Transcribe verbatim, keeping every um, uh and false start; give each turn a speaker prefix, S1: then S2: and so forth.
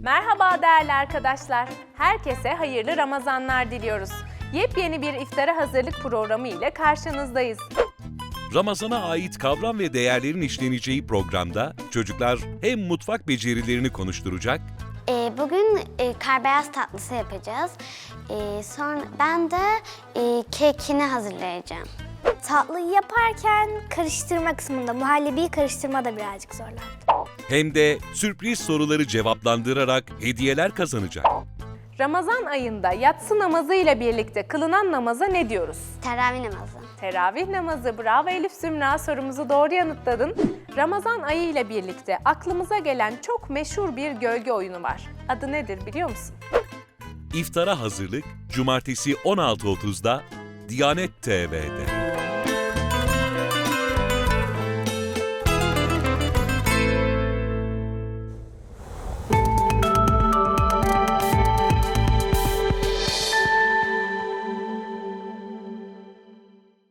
S1: Merhaba değerli arkadaşlar. Herkese hayırlı Ramazanlar diliyoruz. Yepyeni bir iftara hazırlık programı ile karşınızdayız.
S2: Ramazana ait kavram ve değerlerin işleneceği programda çocuklar hem mutfak becerilerini konuşturacak,
S3: Ee, bugün e, karbeyaz tatlısı yapacağız. Ee, sonra ben de e, kekini hazırlayacağım.
S4: Tatlıyı yaparken karıştırma kısmında muhallebiyi karıştırma da birazcık zorlandı.
S2: hem de sürpriz soruları cevaplandırarak hediyeler kazanacak.
S1: Ramazan ayında yatsı namazı ile birlikte kılınan namaza ne diyoruz?
S3: Teravih namazı.
S1: Teravih namazı. Bravo Elif Zümra, sorumuzu doğru yanıtladın. Ramazan ayı ile birlikte aklımıza gelen çok meşhur bir gölge oyunu var. Adı nedir biliyor musun?
S2: İftara hazırlık Cumartesi on altı otuzda Diyanet T V'de.